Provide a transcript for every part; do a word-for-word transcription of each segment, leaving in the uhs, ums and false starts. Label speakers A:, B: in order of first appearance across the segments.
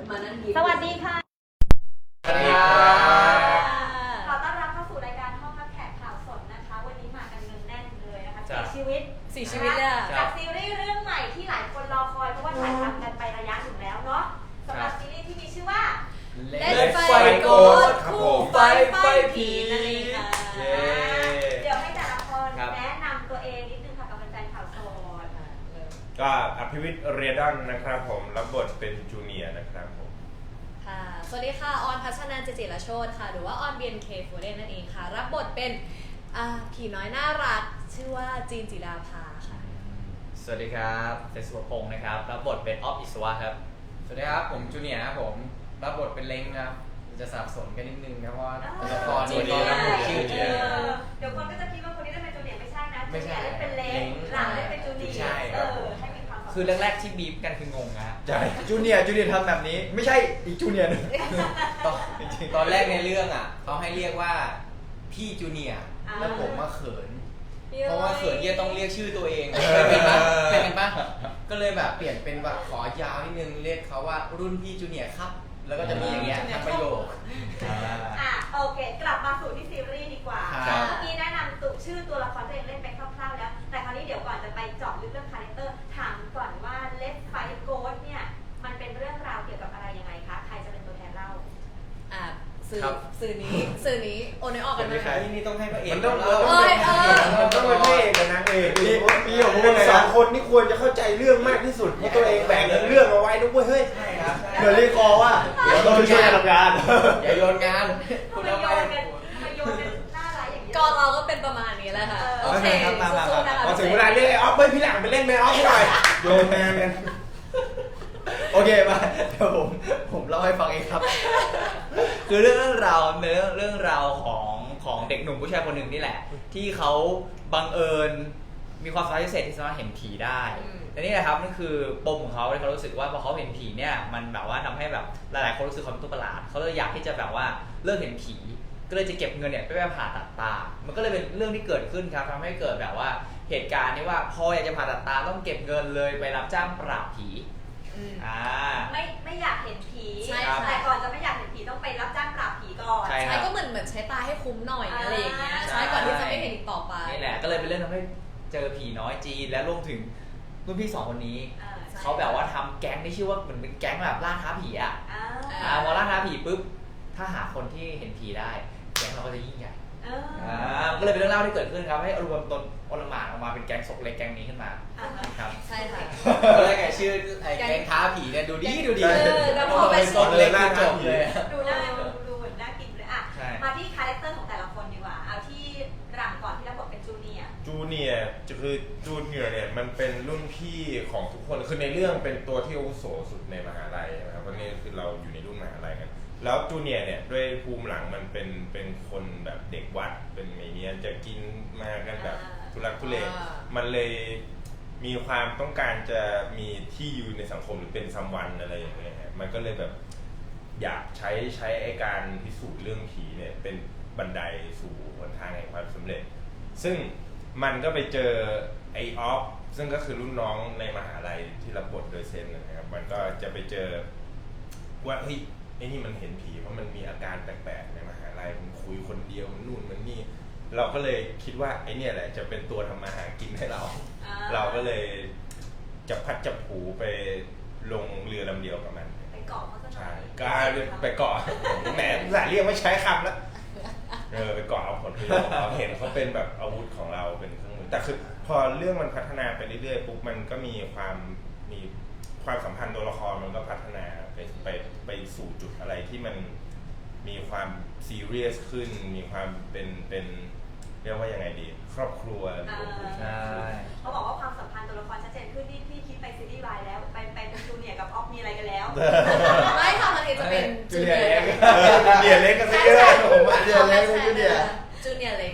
A: มานั่งยิ้ม
B: สวัสดีค่ะ
C: สวัสดีครับ
B: ขอต้อนรับเข้าสู่รายการห้องรับแขกข่าวสดนะคะวันนี้มากันเนืองแน่นเลยนะคะสี่ชีวิต
A: สี่ชีวิตเนี่ย
B: จากซีรีส์เรื่องใหม่ที่หลายคนรอคอยเพราะว่าถ่ายทำกันไประยะหนึ่งแล้วเนาะสำหรับซีรีส์ที่มีชื่อว่า
A: Let's
C: Fight
A: Ghost
C: คู่ไฟไฟผีนั่นเองค่ะ
B: เดี๋ยวให้แต่ละคนแนะนำตัวเองนิดนึงค่ะกับแฟนๆข่าวสด
C: ก็อภิวิทย์เรียดอนนะครับผมรับบทเป็นจูเนียร์นะครับผม
A: ค่ะสวัสดีค่ะออนพัชนันท์ เจเจรโชติค่ะหรือว่าออน บี เอ็น เค โฟร์เดนนั่นเองค่ะรับบทเป็นผีน้อยน่ารักชื่อว่าจีนจิราภาค่ะ
D: สวัสดีครับเจสุภพงศ์นะครับรับบทเป็นออฟอิสวะครับสวัสดีครับผมจูเนียร์ครับผมรับบทเป็นเล้งครับจะสับสนกันนิดนึงครับเพราะว่าตัวละครนี้ก็ชื่อเจีย
B: เดี๋ยวคนก็จะคิดว่าคนนี้ได้เป็นจูเนียร์ไม่ใช่นะจูเนียร์ได้เป็นเล้งหลังได้เป็นจูเนียร์
D: ใช่
B: ครับให้มีความ
D: คือแรกๆที่บีบกันคืองงนะ
E: ใช่จูเนียร์จูเนียร์ทำแบบนี้ไม่ใช่อีกจูเนียร์นึง
D: ตอนตอนแรกในเรื่องอ่ะเขาให้เรียกว่าพี่จูเนียร์แล้วผมมาเขินเพราะว่าเขินเยี่ยต้องเรียกชื่อตัวเองเป็นปะเป็นปะก็เลยแบบเปลี่ยนเป็นแบบขอยาวนิดนึงเรียกเขาว่ารุ่นพี่จูเนียร์ครับแล้วก็จะมีอย่างเงี้ยทั้งประโยค
B: อ่ะโอเคกลับมาสู่ที่ซีรีส์ดีกว่าเมื่อกี้แนะนำตัวชื่อตัวละครตัวเองเล่นไปคร่าวๆแล้วแต่คราวนี้เดี๋ยวก่อนจะไปเจาะลึกเรื่องคาแรคเตอร์ถามก่อนว่า Let's Fight Ghost เนี่ยมันเป็นเรื่องราวเกี่ยวกับอะไรยังไงคะใครจะเป็นตัวแทนเล่า
A: อ่ะสื่อสื่อนี้สื่อนี้โอนไม่ออกกันไหม
D: นี่นี่ต้องให้พระเอก
C: มันต้องเออ
D: มัน
C: ต้องเป็นพระเอกกับนางเอกพี่พี่ของพวกสองคนนี่ควรจะเข้าใจเรื่องมากที่สุดเพราะตัวเองแบ่งเรื่องเอาไว้นะเว้ยเฮ้ย
E: เหมือนรีคอว่าเดี๋ยวต้องช่วยกันทำงาน
D: อย่าโยนงาน
B: คุณเอาไปมาโยนกันหน้าร้ายอย่างนี้
A: ก็เราก็เป็นประมาณนี้แหละค่ะโอเคสู้ๆนะคะ
C: พอถึงเวลาเรียกไอ้ออฟเฮ้ยพี่หลังไปเล่นแมวออฟหน่อยโยนแมวกัน
E: โอเคมาเดี๋ยวผมผมเล่าให้ฟังเองครับ
D: คือเรื่องราวเป็นเรื่องเรื่องราวของของเด็กหนุ่มผู้ชายคนหนึ่งนี่แหละที่เขาบังเอิญมีความสามารถพิเศษที่สามารถเห็นผีได้แต่นี่แหละครับนั่นคือปมของเขาที่เขารู้สึกว่าพอเขาเห็นผีเนี่ยมันแบบว่าทำให้แบบหลายๆคนรู้สึกเขาเป็นตัวประหลาดเขาเลยอยากที่จะแบบว่าเลิกเห็นผีก็เลยจะเก็บเงินเนี่ยไปไปผ่าตัดตามันก็เลยเป็นเรื่องที่เกิดขึ้นครับทำให้เกิดแบบว่าเหตุการณ์ที่ว่าพออยากจะผ่าตัดตาต้องเก็บเงินเลยไปรับจ้างปราบผี
B: อ่าไม่ไม่อยากเห็นผีแต่ก่อนจะไม่อยากเห็นผีต้องไปรับจ้างปราบผีก่อน
A: ใช่ก็เหมือนเหมือนใช้ตาให้คุ้มหน่อยอะไรอย่างเงี้ยใช่ก่อนที่จะไม่เห็นอีกต่อไป
D: นี่แหละก็เลยเป็นเรื่องทำให้เจอผีน้อยจีนและรวมถึงรุ่นพี่สองคนนี้เขาแบบว่าทำแก๊งที่ชื่อว่าเหมือนเป็นแก๊งแบบล่าท้าผีอ่ะอ่าพอล่าท้าผีปุ๊บถ้าหาคนที่เห็นผีได้แก๊งเราก็จะยิ่งใหญ่อ่าก็เลยเป็นเรื่องเล่าที่เกิดขึ้นครับให้รวมตนอลหม่านออกมาเป็นแก๊งศกเล็กแก๊งนี้ขึ้นมาครับ
A: ใช่ค่ะ
D: ก็เลยแกชื่อไอ้แก๊งท้าผีเนี่ยดูดีดูดี
A: แล้วพอไป
D: ศกเล็กจบเลย
B: ดูน่าดูเหมือนน่ากินเลยอ่ะมาที่คาแรคเตอร์ของแต่ละคนดีกว่าเอาที่หลังก่อนที่รับบทเป็นจูเนียร์
C: จูเนียร์คือจูเนียร์เนี่ยมันเป็นรุ่นพี่ของทุกคนคือในเรื่องเป็นตัวที่อาวุโสสุดในมหาลัยนะครับเพราะนี่คือเราอยู่ในรุ่นมหาลัยกันแล้วจูเนียร์เนี่ยด้วยภูมิหลังมันเป็นเป็นคนแบบเด็กวัดเป็นเมเนียนจะกินมากันแบบทุรักทุเลมันเลยมีความต้องการจะมีที่ยืนในสังคมหรือเป็นซัมวันอะไรอย่างเงี้ยมันก็เลยแบบอยากใช้ใช้ไอ้การพิสูจน์เรื่องผีเนี่ยเป็นบันไดสู่หนทางแห่งความสำเร็จซึ่งมันก็ไปเจอไอออฟซึ่งก็คือรุ่นน้องในมหาลัยที่รับบทโดยเซนนะครับมันก็จะไปเจอว่าเฮ้ยไอ้นี่มันเห็นผีเพราะมันมีอาการแปลกๆในมหาลัยมันคุยคนเดียวมันนู่นมันนี่เราก็เลยคิดว่าไอ้นี่แหละจะเป็นตัวทำมาหากินให้เราเราก็เลยจะพัดจับผูไปลงเรือลำเดียวกับมัน
B: ไปเกาะเขาจะ
C: ใช่ก็ไปเกาะแหมสายเรียกไม่ใช้คำแล้วเออไปเกาะเอาผลประโยชน์เราเห็นเขาเป็นแบบอาวุธของเราเป็นเครื่องมือแต่คือพอเรื่องมันพัฒนาไปเรื่อยๆปุ๊บมันก็มีความมีความสัมพันธ์ตัวละครมันก็พัฒนาไปไปไปสู่จุดอะไรที่มันมีความซีเรียสขึ้นมีความเป็นเป็นเรียกว่ายังไงดีครอบครัว
D: ใช่
B: เขาบอกว่าความสัมพันธ์ตัวละครชัดเจนขึ้นที่พี่คิดไปซีรีส์วายแล้วไปไปเป็นจูเนียร์กับออฟมีอะไรกันแล้ว
A: ไม่ค่ะมันจะเป็น
E: จูเนียร์เล็ก
C: จูเนียร์เล็กก็เยอะผมว่า
E: จูเนียร์เล็กจูเนียร์
A: จูเนียร์เล็ก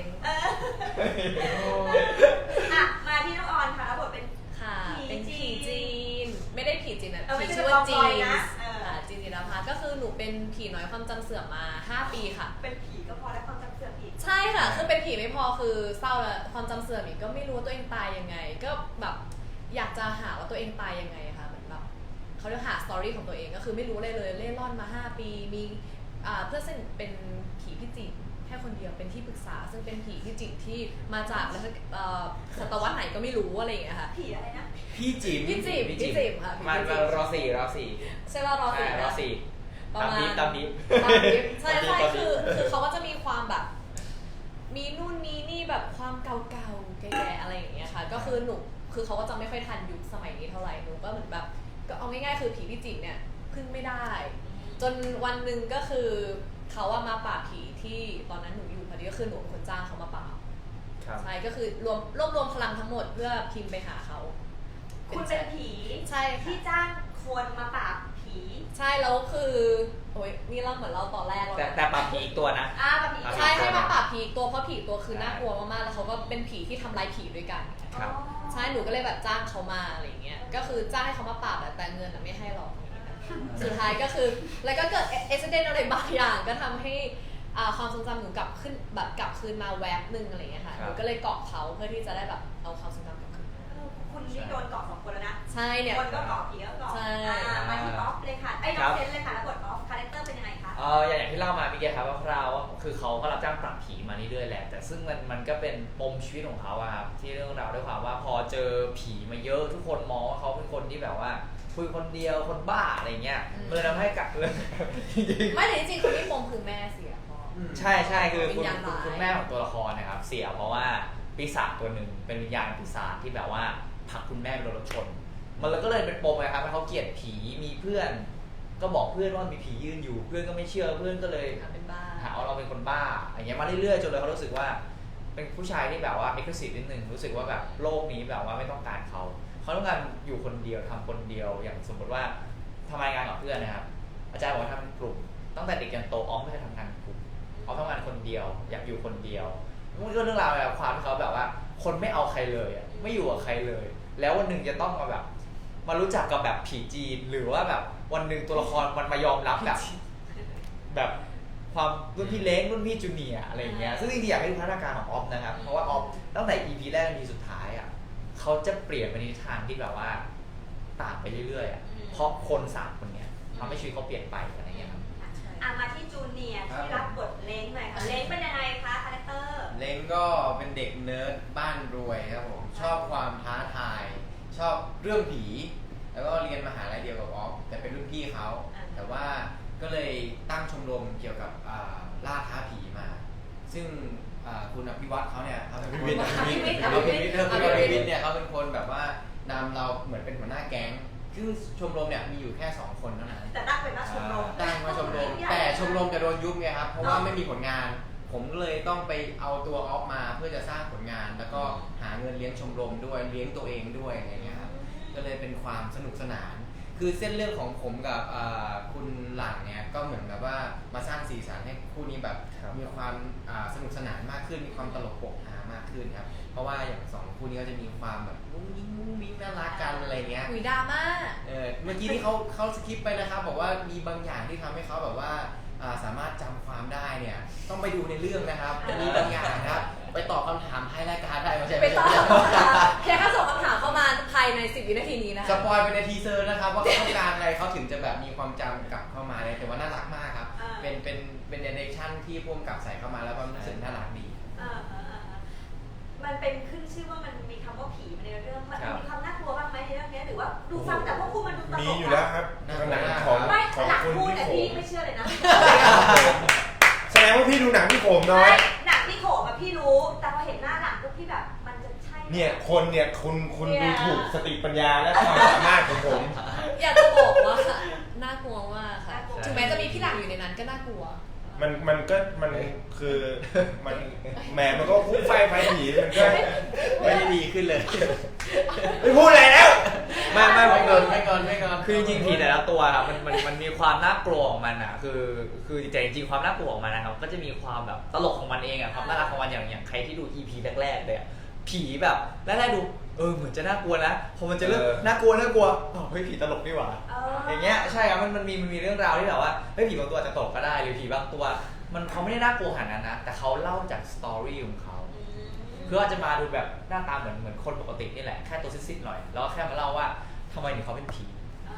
B: อ่ะมาที่น้องออนค่ะรับบทเป็น
A: ค่ะเป็นผีจีนไม่ได้ผีจีนนะผีชื่อว่าจีนจีนจิราภาก็คือหนูเป็นผีน้อยความจำเสื่อมมาห้าปีค่ะ
B: เป็นผีก็พอแล้วความจำเสื่อมอีก
A: ใช่ค่ะคือเป็นผีไม่พอคือเศร้าแล้วความจำเสื่อมอีกก็ไม่รู้ว่าตัวเองตายยังไงก็แบบอยากจะหาว่าตัวเองตายยังไงค่ะเหมือนแบบเขเขาเรียกหาสตอรี่ของตัวเองก็คือไม่รู้อะไรเลยเล่ร่อนมาห้าปีมีอ่าเพื่อนสนิทเป็นผีพิจิตรแค่คนเดียวเป็นที่ปรึกษา ซึ่งเป็นผีพิจิตรที่มาจากแล้วเอ่อศตวรรษไหนก็ไม่รู้อะไรอย่างเงี้ยค่ะ
B: ผีอะไรนะ
E: พี่จิ๋ม
A: พี่จิ๋มพี่จิ๋มค่ะพี่
D: มัน
A: จิ๋ม
D: รอสี่รอสี่
A: ใช่ว่ารอสี่
D: รอสี่
A: ประ
D: ตาม
A: มาณ
D: นี้ตามนี้
A: ตามนี้ใช่ใช่
D: ตามนี้
A: คือคือเขาก็จะมีความแบบ มีนู่นมีนี่แบบความเก่าๆแก่ๆอะไรอย่างเงี้ยค่ะ ก็คือหนูคือเขาก็จะไม่ค่อยทันยุคสมัยนี้เท่าไหร่หนูก็เหมือนแบบก็เอาง่ายๆคือผีพิจิตรเนี่ยพึ่งไม่ได้ จนวันหนึ่งก็คือเขาอะมาปราบผีที่ตอนนั้นหนูอยู่พอดีก็คือหนูเป็นคนจ้างเขามาปราบ
D: ครับ
A: ใช่ก็คือรวมรวบรวมพลังทั้งหมดเพื่อพิมพ์ไปหาเขา
B: คุณเป็นผี
A: ใช่ค่ะ
B: ที่จ้างคนมาปราบผี
A: ใช่แล้วคือโอ้ยนี่เราเหมือนเราตอนแรกแล้ว
D: แต่
A: นะ
D: แต่ปรับผีอีกตัวนะ
B: อ่าปราบผี
A: ใช่ให้มาปราบผีอีกตัวเพราะผีอีกตัวคือน่ากลัวมากๆแล้วเขาก็เป็นผีที่ทำลายผีด้วยกัน
D: ครับ
A: ใช่หนูก็เลยแบบจ้างเขามาอะไรอย่างเงี้ยก็คือจ้างให้เขามาปราบแต่เงินอะไม่ให้หรอกสุดท้ายก็คือแล้วก็เกิดเอ็กซิเดนต์อะไรบางอย่างก็ทำให้อ่าความทรงจำหนูกลับขึ้นแบบกลับคืนมาแวบหนึ่งอะไรอย่างเงี้ยค่ะ
D: ครั
A: ห
D: บ
A: นูก็เลยเกาะเขาเพื่อที่จะได้แบบเอาความทรงจำกลับคืนมา
B: เออคุณนี่โดนเกาะสองคนแล้วนะ
A: ใช่เนี่ย
B: คนก็เกาะผีก็เกาะ
A: ใช่
B: อ่ามาที่ออฟเลยค่ะไอ้ย
D: ค
B: น้
D: รั
B: อง
D: บ
B: เซนเลยค่ะแล้วบทออฟคาแรคเตอร์เป็นยังไงคะ
D: เอออย่างที่เล่ามาพี่เกครับว่าคร่าวๆว่าคือเขาก็รับจ้างปราบผีมาเรื่อยๆแหละแต่ซึ่งมันมันก็เป็นปมชีวิตของเขาอะครับที่เรื่องราวด้วยความว่าพอเจอผีมาเยอะทุกคนมองว่าเขาเป็นคนที่แบบว่าคุยคนเดียวคนบ้าอะไรเงี้ยเลยทำให้กัดเลย
A: ไม่แต่จริงๆคนที่ปมคือแม่เสียพ่อ
D: ใช่ใช่คือคุณ
A: วิญญาณ
D: คุณ
A: ร้าย
D: คุณแม่ของตัวละครนะครับเสียเพราะว่าปีศาจตัวหนึ่งเป็นวิญญาณปีศาจที่แบบว่าผลักคุณแม่ไปโดนรถชน มันเลยก็เลยเป็นปมนะครับให้เขาเกลียดผีมีเพื่อน ก็บอกเพื่อนว่ามีผียืนอยู่เพื่อนก็ไม่เชื่อเพื่อนก็เลย
A: ทำเป็นบ้า
D: หาว่าเราเป็นคนบ้าอย่างเงี้ยมาเรื่อยๆจนเลยเขารู้สึกว่า เป็นผู้ชายที่แบบว่าเอ็กซ์ซีฟนิดนึงรู้สึกว่าแบบโลกนี้แบบว่าไม่ต้องการเขาเขาต้องการอยู่คนเดียวทำคนเดียวอย่างสมมติว่าทำงานกับเพื่อนนะครับอาจารย์บอกว่าทำเป็นกลุ่มตั้งแต่เด็กจนโตออมไม่เคยทำงานเป็นกลุ่มออมทำงานคนเดียว อยากอยู่คนเดียวมันก็เรื่องราวแบบความที่เขาแบบว่า คนไม่เอาใครเลยอ่ะไม่อยู่กับใครเลย แล้ววันหนึ่งจะต้องมาแบบ มารู้จักกับแบบผีจีนหรือว่าแบบวันหนึ่งตัวละครมันมายอมรับแบบแบบความรุ่นพี่เล็กรุ่นพี่จูเนียร์อะไรอย่างเงี้ยซึ่งจริงๆอยากให้ดูพัฒนาการของออฟนะครับเพราะว่าออฟตั้งแต่ อี พี แรก อี พี สุดท้ายอ่ะเขาจะเปลี่ยนไปในทิศทางที่แบบว่าต่างไปเรื่อยๆอ่ะเพราะคนสามคนเนี้ยทำให้ชีวิตเขาเปลี่ยนไปอะไรอย่างเงี้ยครับ
B: อ่ะมาที่จูเนียร์ที่รับบทเล้งหน่อยค่ะเล้งเป็นยังไงคะคาแรคเตอร์
E: เล้งก็เป็นเด็กเนิร์ดบ้านรวยครับผมชอบความท้าทาย ชอบเรื่องผี แล้วก็เรียนมหาลัยเดียวกับออฟแต่เป็นรุ่นพี่เขาแต่ว่าก็เลยตั้งชมรมเกี่ยวกับอ่าล่าท้าผีมา ซึ่งอ่าคุณอภิวัตเขาเนี่ยเขาเป็นคน
A: อภิวิทย์
E: อภิวิทย์เออคุณ
A: อ
E: อ
A: ภิ
E: ภิ
A: วิ
E: วิ
A: ท
E: ท
A: ย์
E: ย์เนี่ยเขาเป็นคนแบบว่านำเราเหมือนเป็นหัวหน้าแก๊งซึ่งชมรมเนี่ยมีอยู่แค่สองคนเท่านั้น
B: แต่ตั้งเป็นว่าชมรม
E: ตั้งมาชมรมแต่ชมรมจะโดนยุบไงครับเพราะว่าไม่มีผลงาน ผมเลยต้องไปเอาตัวออฟมาเพื่อจะสร้างผลงาน แล้วก็หาเงินเลี้ยงชมรมด้วยเลี้ยงตัวเองด้วยอะไรเงี้ยครับก็เลยเป็นความสนุกสนาน คือเส้นเรื่องของผมกับอ่าคุณหลังเนี่ยก็เหมือนกับว่ามาสร้างสีสันให้คู่นี้แบบ
D: ครับ
E: มีความอ่าสนุกสนานมากขึ้นมีความตลกโปกฮามากขึ้นครับเพราะว่าอย่างสองคู่นี้ก็จะมีความแบบมุ้งยิ้งมุ้งมิ้งน่ารักกันอะไรเงี้ย
A: หุยดราม่า
E: เออเมื่อกี้ที่เขาเขาสคริปต์ไปนะครับบอกว่ามีบางอย่างที่ทำให้เขาแบบว่าอ่าสามารถจำความได้เนี่ยต้องไปดูในเรื่องนะครับมีบางอย่างนะครับไปตอบคำถามท้ายรายการได้ไม่ใช่
A: ไป
E: ไม่
A: ตอบ
E: ใช่
A: คำถามแค่แค่ส่งคำถามเข้ามาภายในสิบวินาทีนี้นะ
E: ส
A: คะ
E: ปอยไปในทีเซอร์นะครับว่าเขาต้องการอะไรเขาถึงจะแบบมีความจำกลับเข้ามาเลยแต่ว่าน่ารักมากครับ
B: อ่า
E: เป็นเป็นเป็นเดเรคชั่นที่พ่วงกับใส่เข้ามาแล้วมันรู้สึกน่ารักดี
B: เออเออเออเออมันเป็นขึ้นชื่อว่ามันมีคำว่าผีมาในเรื่องมัน
D: ครับ
B: มีความน่ากลัวบ้างไหมในเรื่องนี้หรือว่าดูฟังแต่พวกคุณมันดูตลก
C: มีอยู่แล้วครับหนังของ
B: ไม่
C: ของ
B: หลัง
C: คุณ
B: พูด
C: พี่
B: แต่
C: โข
B: พี่
C: ม
B: ไม่เชื่อเลยนะ
C: แสดงว่าพี่ดูหนังพี่โขมน้อย
B: ไม่หนังที่โขมอะพี่รู้ แต่พอเห็นหน้าหลังปุ๊บพี่แบบมันจะใช่
C: เนี่ยคนเนี่ยคุณคุณ
B: เนี่
C: ดู
B: ย
C: ถูกสติปัญญาและความสามารถของผม
A: อยากจะบอกว่าน่ากลัวมากค่ะถึงแม้จะมีพี่หลังอยู่ในนั้นก็น่ากลัว
C: มันมันก็มันคือมันแหมมันก็พุ่งไฟไฟผีมันก็
E: ไม่ได้ดีขึ้นเลย
C: ไม่พูดอะไรแล้ว
D: ไม่ไม่ผ
E: ไม่
D: ม
E: เกินไม่เกินไม่เกิน
D: คือจริงๆผีแต่ละตัวครับมันมันมันมีความน่ากลัวของมันอ่ะคือคือแต่จริงๆความน่ากลัวของมันนะครับก็จะมีความแบบตลกของมันเองอ่ะความน่ารักของมันอย่างอย่างใครที่ดู อี พี แรกๆเลยอะผีแบบแรกๆดูเออเหมือนจะน่ากลัวนะพอมันจะเริ่ม
C: เออ
D: น่ากลัวน่ากลัวอ้าวเฮ้ยผีตลกนี่หว่า
B: เออ
D: อย่างเงี้ยใช่ครับมันมันมีมันมีเรื่องราวที่แบบว่าเฮ้ยผีบางตัวอาจจะตลกก็ได้หรือผีบางตัว มันเขาไม่ได้น่ากลัวขนาดนั้นนะแต่เขาเล่าจากสตอรี่ของเขา
B: อืม
D: คืออาจจะมาดูแบบหน้าตาเหมือนเหมือนคนปกตินี่แหละแค่ตัวซิดๆหน่อยแล้วก็แค่มาเล่าว่าทำไมถึงเขาเป็นผี
B: อ่า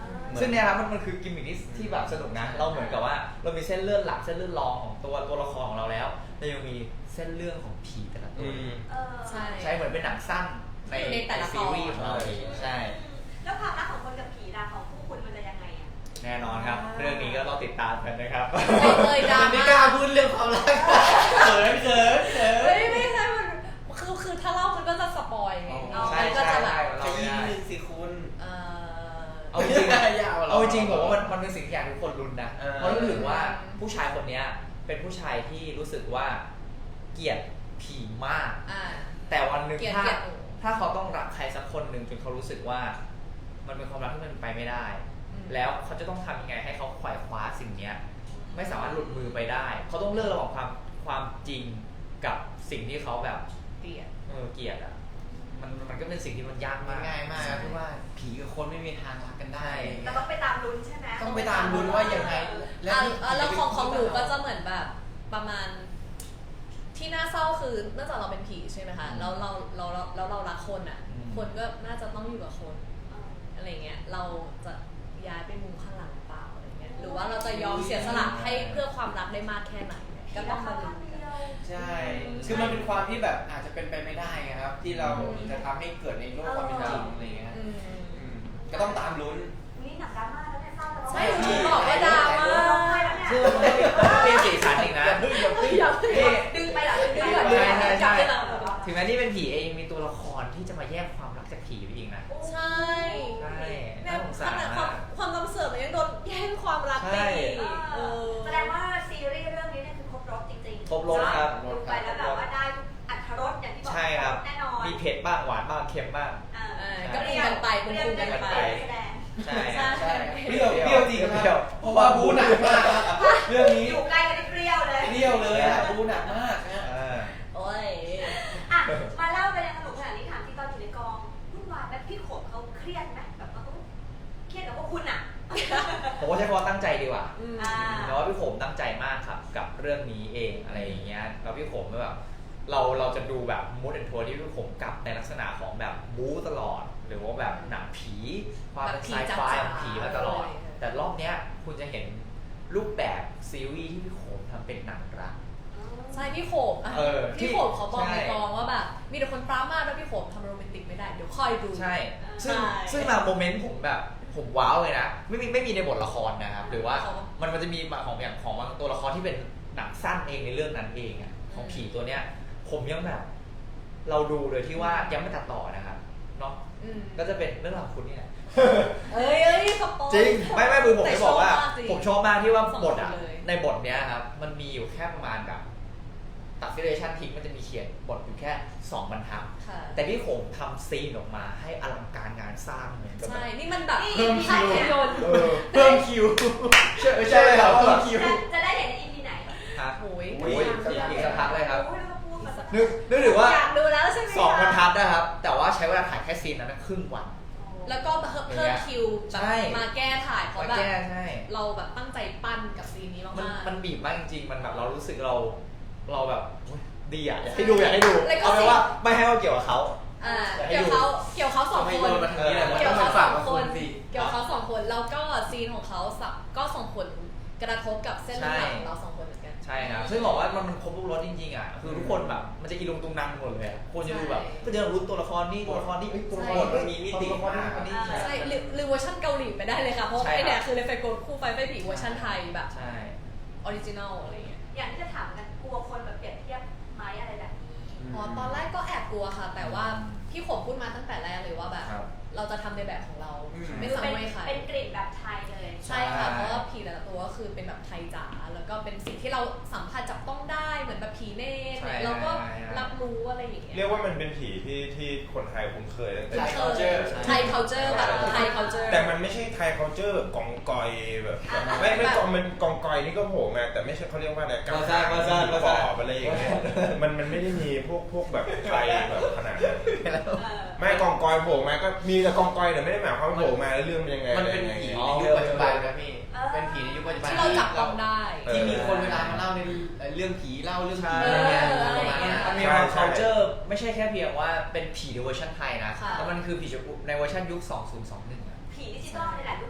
D: ซึ่งเนี่ยครับมันมันคือกิมมิคที่ที่แบบสนุกนะเราเหมือนกับว่าเรามีเส้นเลือดหลักเส้นเลือดรองของตัวตัวละครของเราแล้วแต่ยังมีเส้นเรื่องของผีแต่ละตัว
B: เออ
A: ใช่
D: ใช่เหมือนเป็นหนังสั้นใน
A: ในแต่ละ
D: ซีรีส์ของเรา
A: ตอน
D: เองใช่
B: แล้วความรักของคนกับผีล่ะของคู่คุณมันจะยังไงอ่ะ
D: แน่นอนครับ เรื่องนี้ก็ต้องติดตามกันนะครับ
A: ไม่เลยดรา
E: ไม่
A: ม่าก
E: ล้าพูดเรื่องความรักเขินเขินเขิน
A: เฮ้ยไม่ใช่มันคือคือถ้าเล่ามันก็จะสปอยไง
E: อ๋อ
D: ใช่
A: มันก็
D: ใช่
A: จะแบบ
D: ใช่
E: จะยินหนึ่งสิคุณ
A: เอ่อ
D: เอาจริง
E: ยาวหร
D: เอาจริงผมว่ามันมันเป็นสิ่งที่อยากให้ทุกคนลุ้นนะ
E: เออ
D: เพราะรู้สึกว่าผู้ชายคนเนี้ยเป็นผู้ชายที่รู้สึกว่าเกลียดผีมาก
A: อ่า
D: แต่วันหนึ่ง
A: เกลียด
D: ถ้า
A: เกลียดหนู
D: ถ้าเขาต้องรักใครสักคนหนึ่งจนเขารู้สึกว่ามันเป็นความรักที่มันไปไม่ได้
A: อืม
D: แล้วเขาจะต้องทำยังไงให้เขาขวายคว้าสิ่งเนี้ยไม่สามารถหลุดมือไปได้ เขาต้องเลือกระหว่างความความจริงกับสิ่งที่เขาแบบ
A: เกลียด
D: เออเกลียดอ่ะมันมันก็เป็นสิ่งที่มันยาก
E: มั
D: มาน ก
E: ง่ายมากครับที่ว่าผีกับคนไม่มีทางรักกันได้
B: แต่ต้องไปตามลุ้นใช่ไหม
E: ต้องไปตามลุ้นว่ายังไง
A: อ่ะ
E: นี่
A: อ่ะแล้วของของหนูก็
E: จะ
A: จะเหมือนแบบประมาณ ที่น่าเศร้าคือเนื่องจากเราเป็นผีใช่ไหมคะแล้วเราเราเราแล้วเรารักคนอ่ะ
D: อืม
A: คนก็น่าจะต้องอยู่กับคน
B: เออ
A: อะไรเงี้ยเราจะย้ายไปมุมข้างหลังหรือเปล่าอะไรเงี้ยหรือว่าเราจะยอมเสียสละให้เพื่อความรักได้มากแค่ไหนเนี่ยก็ต้องมาดูกัน
E: ใช่ คือมันเป็นความที่แบบอาจจะเป็นไปไม่ได้ไงครับ ที่เราจะทำให้เกิดในโลกความเป็นจริงอะไรเงี้ย
A: อืม
E: อืมก็ต้องตามลุ้น
B: นี่หนักดราม่าแล้วเนี่ยเศร้าแล้ว
A: ใช่หนูบอกว่าดราม่า
B: ร้องไห้แล้วเนี่ย
D: ซึ่งมันก็เป็นสีสันอีกนะ
E: อย่าเพิ่งอย่าเพิ่ง
A: อย่า
B: ดึงไปเหรอดึงไป
A: ดึง
B: เหร
A: ก่
B: อ
A: อน
B: ดึ
A: ดึ
B: ง
A: ง
B: ไป
A: ก่อน
B: เหรอ
A: จับได้แล้ว
D: ถึงแม้นี่เป็นผีเองมีตัวละครที่จะมาแยกความรักจากผีไปอีกนะ
A: ใช่
D: ใช่
A: เนี่
D: น่าย สง
A: ข
D: สาร
A: นาดค
D: มาว
A: าม
D: ก
A: ความจำเสื่อมมันยังโดนแย่งความรักไปอีก
B: เอ
A: เอ
B: อ
A: อ
B: แสดงว่าซีรีส์เรื่องนี้เนี่ยคือครบรสจริงๆ
D: ครบรสครับ
B: ดูไปแล้วแบบว่าได้ทุกอรรถรสอย่างที่บอก
D: ใช่ครับ
B: แน่นอน
D: มีเผ็ดบ้างหวานบ้างเค็มบ้าง
B: อ่า
A: เออก็ปรุงกันไปปรุงๆกันไป
B: แสดง
D: ใช่
A: ใช่
E: ใช่เปรี้ยวเปรี้ยวจริงค
D: เปรี้ย
E: รั
D: ว
E: บเพราะว่าบูหนักมากครับเรื่องนี้
B: อยู่ใกล้กันที่เปรี้ยวเลย
E: เปรี้ยวเลยอะบูหนักมากนะ
D: เออ
A: โอ้ย
B: อ่ะมาเล่าไปในสนุกขนาดนี้ถามที่ตอนอยู่ในกองวุ่นวายไหมพี่ขมเขาเครียดไหมแบบเขาเครียดกับพวกคุณอ่ะ
D: ผมว่าใช้คำว่าตั้งใจดีกว่า
A: อืม
B: อ่า
D: เพราะว่าพี่โขมตั้งใจมากครับกับเรื่องนี้เองอะไรอย่างเงี้ยแล้วพี่โขมก็แบบเราเราจะดูแบบมูดแอนโทนที่พี่โขมกลับในลักษณะของแบบบู๊ตลอด หรือว่าแบบหนังผีความเป็นไซไฟของผีมาตลอด แต่รอบเนี้ยคุณจะเห็นรูปแบบซีรีส์ที่พี่โขมทำเป็นหนังรัก
A: ใช่พี่โขมอ่ะ
D: เออ
A: พี่โขมเขาบอก
D: ใช่
A: ในกองว่าแบบมีแต่คนปรามาสแล้วพี่โขมทำโรแมนติกไม่ได้เดี๋ยวคอยดู
D: ใช่ ซึ่ง
A: ใช่
D: ซึ่งบางโมเมนต์ผมแบบผมว้าวเลยนะ ไม่มีไม่มีในบทละครนะครับ หรือว่า
A: เขา
D: มันมันจะมีของอย่างของบางตัวละครที่เป็นหนังสั้นเองในเรื่องนั้นเองอะของผีตัวเนี้ย ผมยังแบบ เราดูโดยที่ว่ายังไม่ตัดต่อนะครับเนาะ
A: อืม
D: ก็จะเป็นเรื่องราวของคุณนี่แหละ
A: เอ้ยเอ้ยสปอย
D: จริง ไม่ไม่คือผม
A: แต่
D: จะบอกว่า
A: ชอบมากจริง
D: ผมชอบมากที่ว่า
A: สอง
D: บทอ่ะ
A: คนเลย
D: ในบทเนี้ยครับ มันมีอยู่แค่ประมาณแบบตัดฟิเลชันทิ้งมันจะมีเขียนบทอยู่แค่สองบรรทัด
A: ค่ะ
D: แต่พี่โขงทำซีนออกมาให้อลังการงานสร้างเหมือนกับแบ
A: ใช่
D: บ
A: นี่มันแบบ
B: เพิ่มคิว
A: ภาพยนตร์
D: เออเพิ่มคิวใช่ใช่เลยครับเพิ่มคิว
B: จะจะได้เห็นใน อี พี ไหน
D: ครับ
A: โอ้ย
D: โอ้ยอีกสักพักเลยครับ
B: โอ้ยแล้วก็พูดมาสัก
D: นึกนึกถึงว่า
A: อยากดูแล้วใช่ไหม
D: สองบรรทั
A: คะ
D: ดนะครับ แต่ว่าใช้เวลาถ่ายแค่ซีนนั้นนะครึ่งวัน
A: แล้วก็เพิ่มคิวแบบ
D: ใช่
A: มาแก้ถ่ายเพราะ
D: มา
A: แบบ
D: แก้ใช่
A: เราแบบตั้งใจปั้นกับซีนนี้
D: มัน
A: มากๆ
D: มันบีบมากจริงๆ มันแบบเรารู้สึกเรา เราแบบโอ๊ยดีอ่ะอยากให้ดูอยากให้ดู
A: แล้วก็
D: เอาเป็นว่าไม่ให้ว่าเกี่ยวกับเขา
A: อ่า
D: อยากให้
A: เกี่ยว
D: ดู
A: เขาเกี่ยวเขาสอง
E: ทำไม
A: คน
E: โยนมาทางนี้แหละมัน
A: เกี่
E: ต้
A: ย
E: อ
A: ว
E: งไป
A: เขาส
E: ฝา
A: อก ง
E: กับ
A: ค
E: คุณ
A: น
E: สิ
A: เกี่ยวเขาสองคนแล้วก็ซีนของเขาสับก็ส่งผลกระทบกับเส้นเลือดของเราสองคนเหมือนกัน
D: ใช่ครับ ซึ่งบอกว่ามันมันครบทุกรสจริงๆอ่ะ คือทุกคนแบบมันจะอีลุงตุงนังหมดเลยอะคนจะดูแบบ
A: ใช่
D: ก็จะรู้ตัวละครนี่ตัวละครนี่เอ้ยตัวละคร
E: บทมันมีมิติ
D: ตัวละครนี่
E: มาก
D: คนนี้
A: ใช่หรือหรือเวอร์ชันเกาหลีไปได้เลยค่ะ เพราะ
D: ใช่
A: ไอ
D: ครับ
A: เนี่ยคือเลฟไฟโกนคู่ไฟไฟผีเวอร์ชันไทยแบบ
D: ใช่
A: ออริจินอลอะไรเงี้ย
B: อย่างที่จะถามกันกลัวคนแบบเปรียบเทียบไหมอะไรแบบนี้
A: อ๋อตอนแรกก็แอบกลัวค่ะ แต่ว่าพี่ขมพูดมาตั้งแต่แรกเลยว่าแบบ
D: ครับ
A: เราจะทำในแบบของเรา
E: อืม
A: ไม่
B: คือ
A: ซ้ำ
B: เป็น
A: ไม่ใคร
B: เป็นกลิ่นแบบไทยเลย
A: ใช่ค่ะ เพราะว่าผีแต่ละตัวก็คือเป็นแบบไทยจ๋า แล้วก็เป็นสิ่งที่เราสัมผัสจับต้องได้เหมือนแบบผีเนตร
D: ใช่
A: เราก็
D: ใช่ใช่
A: รับรู้อะไรอย่างเงี้ย
C: เรียกว่ามันเป็นผีที่ที่คนไทยคุ้นเคยตั้งแต่
A: ไทย
C: เด็ก
E: culture
A: ไทย culture แบบไทย culture
C: แต่มันไม่ใช่ไทย culture แบบกองกอยแบบไม่ไม่กองมันกองกอยนี่ก็โผล่มาแต่ไม่ใช่เขาเรียกว่าอะไรกั
E: ภาษาภาษาภา
C: ป
E: ษา
C: อบอะไรอย่างเงี้ยมันมันไม่ได้มีพวกพวกแบบไทยแบบขนาดนั้น
B: เออ
C: ไม่กองกอยโผล่มาก็มีแต่กองกอยแต่ไม่ได้หมายความว่าโผล่มาแล้วเรื่องเป็นยังไง
E: มันเป็น
C: อะไร
E: ผี
C: ยังไง
E: ในยุคปัจจุบันครับพี่ เป็นผีในยุคปัจจุบัน
A: ที่เราจับต้องได้
E: ที่มีคนเวลามาเล่าในเรื่องผีเล่าเรื่องผี
D: ใช่
E: อะไรเงี้ย
A: เออ
E: ประมาณเนี้ย
D: มันมีความ culture ไม่ใช่แค่เพียงว่าเป็นผีในเวอร์ชันไทยนะ
A: ค่ะ
D: แต่มันคือผีในเวอร์ชันยุค สองพันยี่สิบเอ็ดอะ
B: ผีดิจิตอลนี่แหละยุคดิจิตอล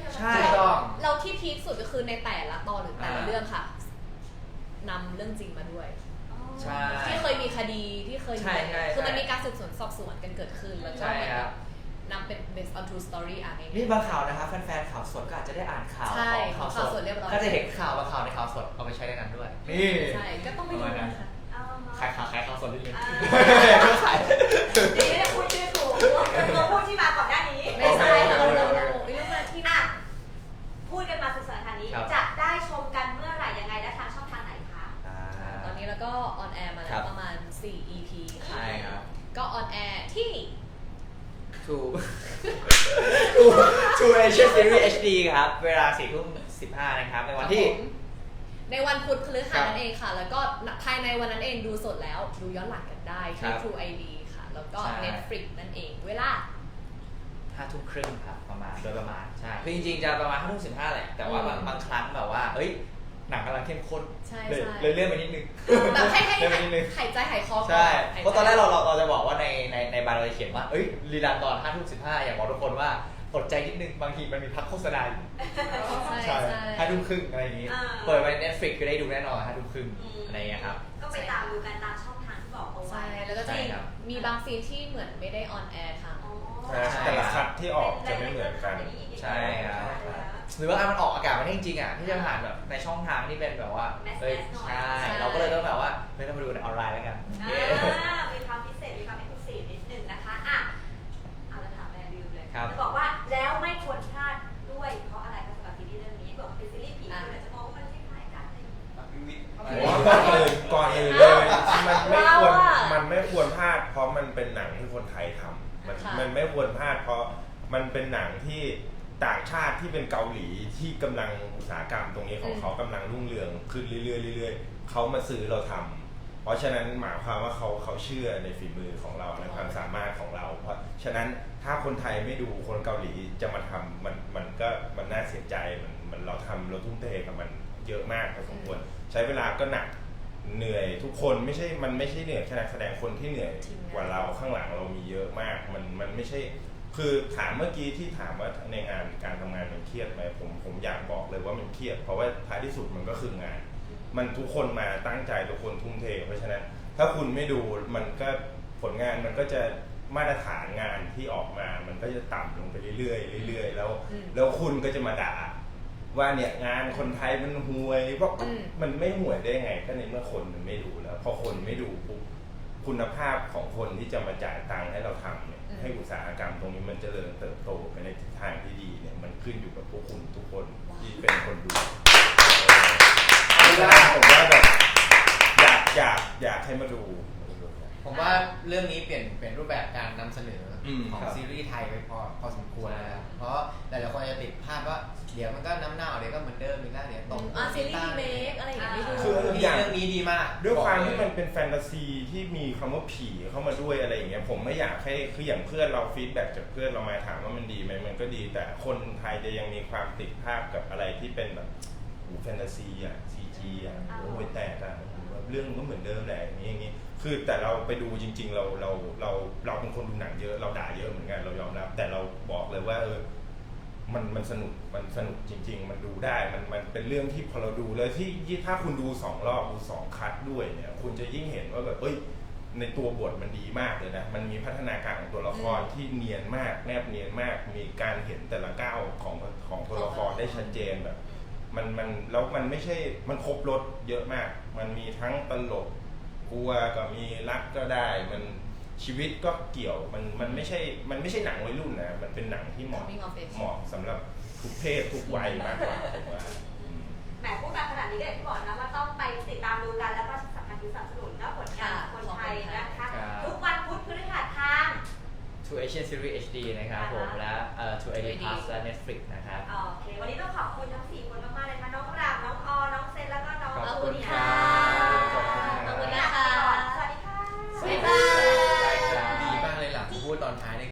D: ใช่
E: ถูกต้อง
A: เราที่พีคสุดก็คือในแต่ละตอนหรือแต่ละ
D: อ่า
A: เรื่องค่ะนำเรื่องจริงมาด้วย
D: ใช่
A: ที่เคยมีคดีที่เคย
D: ใช่ใช่
A: คือมัน
D: ใช่
A: มีการสืบสวนสอบสวนกันเกิดขึ้นแล้วก็
D: ใช่ครับ
A: นำเป็น based on true story อ่ะง่ายๆ
D: นี่บางข่าวนะครับแฟนๆข่าวสดก็อาจจะได้อ่านข่าว
A: ใช่
D: ของข่าวส
A: ข่าว
D: ด
A: สดเรียบร้อย
D: ก็จะเห็นข่าวบางข่าวในข่าวสดเอาไปใช้ในนั้นด้วยนี่
A: ใช่ก็ต้องไปดูนะคะ
D: ขายข่าวขายข่าวสดนิดนึง
B: ขายดีไม่ได้พูดชื่อถูกตัวพูดที่มาก่อนหน้านี้
A: ไม่ใช่
D: โอ
A: เรา
D: เค
A: เรา
D: โอเค
A: เราเรื่องมาที่
B: อ่ะพูดกันมาสุดสัปดาห์นี้
D: ครับ
B: จะได้ชมกันเมื่อไหร่ยังไงและทางช่องทางไหนคะ
D: อ่า
A: ตอนนี้เราก็ออนแอร์มา
D: ค
A: แล้
D: รั
A: ว
D: บ
A: ประมาณสี่ อี พี ค่ะ
D: ใช่ครับ
A: ก็ออนแอร์ที่
D: True True True Asia Series เอช ดี ครับ เวลาสี่ทุ่มสิบห้านะครับในวันที่
A: ครับผมในวันพุธพฤหัส
D: ครับ
A: นั่นเองค่ะ แล้วก็ภายในวันนั้นเองดูสดแล้ว ดูย้อนหลังกันได้
D: ครั
A: ที่
D: บ
A: True ไอ ดี ค่ะ แล้วก็
D: ใช่
A: Netflix นั่นเอง เวลา
D: ห้าทุ่มครึ่งครับประมาณโดยประมาณใช่คือจริงๆจะประมาณห้าทุ่มสิบห้าแหละแต่ว่าบาง
A: อืม
D: บางครั้งแบบว่าเอ้ยหนังกำลังเข้มข้น
A: ใช่
D: เลย
A: ใช่
D: เลยเลื่อนไปนิดนึง
A: แบบให้ให้
D: เลื่อนไปนิดนึง
A: หายใจหายคอก่อน
D: ใช่
A: หายใจ
D: เพราะตอนแรกเราเราเราจะบอกว่าในในในบาร์เราจะเขียนว่าเอ้ยรีลันตอนห้าทุ่มสิบห้าอยากบอกทุกคนว่าอดใจนิดนึงบางทีมันมีพักโฆษณาอยู่
A: ใช่ใช่
D: ห้าทุ่มครึ่งอะไรอย่างงี้
B: อ่า
D: เปิดไป Netflix ก็ได้ดูแน่นอนห้าทุ่มครึ่ง
B: อืม
D: อะไรอย่างเงี้ยครับ
B: ก็ไปตามดูกันตามช่องทางที่บอกเอาไว้
A: ใช่ แล้วก็จะ
D: ใช่
A: มี
D: ครับ
A: มีบางซีนที่เหมือนไม่ได้ออนแอร์ทาง
B: อ๋อ
C: ใช่แต่ละคัดที่ออกจะไม่เหมือนกัน
D: ใช่ครับ หรือว่ามันออกอากาศมาได้จริงๆอ่ะที่จะผ่านแบบในช่องทางที่เป็นแบบว่า
B: แมส
D: เอ้ย
B: ๆหน่อย
D: ใช่
A: ใช่
D: เราก็เลยต้องแบบว่าไม่ต้องมาดูในออนไลน์แล้วกัน
B: อ่ามีความพิเศษ มีความเอกลุศินิดนึงนะคะอ่ะเอาละถามแม่ลืมเลย
D: ครับ
B: จะบอกว่าแล้วไม่ควรพลาดด้วยเพราะอะไรคะสำหรับซีรีส์เรื่องนี้บอกเป็นซีรีส์ผีคนอาจจะมองว่ามันคล้ายๆกันอะไรอย่างเงี้ย
C: ผมว่าก่อนอื่นก่อนอื่นเลยมันไม่ควร
A: เราอะ
C: มันไม่ควรพลาดเพราะมันเป็นหนังที่คนไทยทำมัน
A: ค่ะ
C: มันไม่ควรพลาดเพราะมันเป็นหนังที่ต่างชาติที่เป็นเกาหลีที่กำลังอุตสาหกรรมตรงนี้ของเขากำลังรุ่งเรืองขึ้นเรื่อยๆเรื่อยๆเขามาซื้อเราทำเพราะฉะนั้นหมายความว่าเขาเขาเชื่อในฝีมือของเราในความสามารถของเรา เพราะฉะนั้นถ้าคนไทยไม่ดูคนเกาหลีจะมาทำมันมันก็มันน่าเสียใจมันมันเราทำเราทุ่มเทกับมันเยอะมากพอสมควรใช้เวลาก็หนักเหนื่อยทุกคนไม่ใช่มันไม่ใช่เหนื่อยแค่นักแสดงคนที่เหนื่อยกว่าเราข้างหลังเรามีเยอะมากมันมันไม่ใช่คือถามเมื่อกี้ที่ถามว่าในงานการทำงานมันเครียดไหมผมผมอยากบอกเลยว่ามันเครียดเพราะว่าท้ายที่สุดมันก็คืองาน มันทุกคนมาตั้งใจทุกคนทุ่มเทเพราะฉะนั้นถ้าคุณไม่ดูมันก็ผลงานมันก็จะมาตรฐานงานที่ออกมามันก็จะต่ำลงไปเรื่อยๆเรื่อยๆแล้วแล้วคุณก็จะมาด่าว่าเนี่ยงานคนไทยมันห่วยเพราะมันไม่ห่วยได้ไงก็ในเมื่อคนมันไม่ดูแล้วพอคนไม่ดูปุ๊บคุณภาพของคนที่จะมาจ่ายตังค์ให้เราทำเนี่ยให้อุตสาหกรรมตรงนี้มันเจริญเติบโตไปในทิศทางที่ดีเนี่ยมันขึ้นอยู่กับพวกคุณทุกคนที่เป็นคนดูผมว่าแบบอยากอยากอยากให้มาดู
E: ผมว่าเรื่องนี้เปลี่ยนเปลี่ยนรูปแบบการนำเสนออ
C: ม
E: ของ
C: ครับ
E: ซีรีส์ไทยไปพอพอสมควรแล้วเพราะหลายๆคนจะติดภาพว่าเดี๋ยวมันก็น้ำเน่าเดี๋ยวก็เหมือนเดิมอีกแล้วเดี๋ยวตก
A: อ่าซีรีส์รีเมคอะไรอย่างเงี้ยไม่ดู
C: คือ
E: เรื่องนี้ดีมาก
C: ด้วยความที่
E: บ
C: มั
E: อน กเลย
C: เป็นแฟนตาซีที่มีคำว่าผีเข้ามาด้วยอะไรอย่างเงี้ยผมไม่อยากให้คืออย่างเพื่อนเราฟีดแบ็กจากเพื่อนเรามาถามว่ามันดีไหมมันก็ดีแต่คนไทยจะยังมีความติดภาพกับอะไรที่เป็นแบบโอ้แฟนตาซีอ่ะซีจีอ่ะโอ้ยแตกอ่ะเรื่องมันก็เหมือนเดิมแหละอย่างนี้อย่างนี้คือแต่เราไปดูจริง ๆ เราเราเราเราเป็นคนดูหนังเยอะเราด่าเยอะเหมือนกันเรายอมรับแต่เราบอกเลยว่าเออมันมันสนุกมันสนุกจริง ๆ มันดูได้มันมันเป็นเรื่องที่พอเราดูเลยที่ถ้าคุณดูสองรอบดูสองคัทด้วยเนี่ยคุณจะยิ่งเห็นว่าแบบเอ้ยในตัวบทมันดีมากเลยนะมันมีพัฒนาการของตัวละครที่เนียนมากแนบเนียนมากมีการเห็นแต่ละก้าวของของตัวละครได้ชัดเจนแบบมันมันแล้วมันไม่ใช่มันครบรสเยอะมากมันมีทั้งตลกกลัวก็มีรักก็ได้มันชีวิตก็เกี่ยวมันมันไม่ใช่มันไม่ใช่หนังวัยรุ่นนะมันเป็นหนังที่เหมาะ
A: Coming of age
C: เหมาะสำหรับทุกเพศทุกวัยมากกว่าผมว่า
B: แหมพูดมาขนาดนี้ก็อย่างที่บอกนะว่าต้องไปติดตามดูกันแล้วก็สำคัญคือสนับสนุนและผลงานของคนไทยนะคะ ทุกวันพุธพฤหัสทาง
D: True Asian Series เอช ดี นะครับผมและเอ่อ True ไอ ดี Plus และ Netflix นะครับ
B: โอเค วันนี้ต้องขอบคุณทั้ง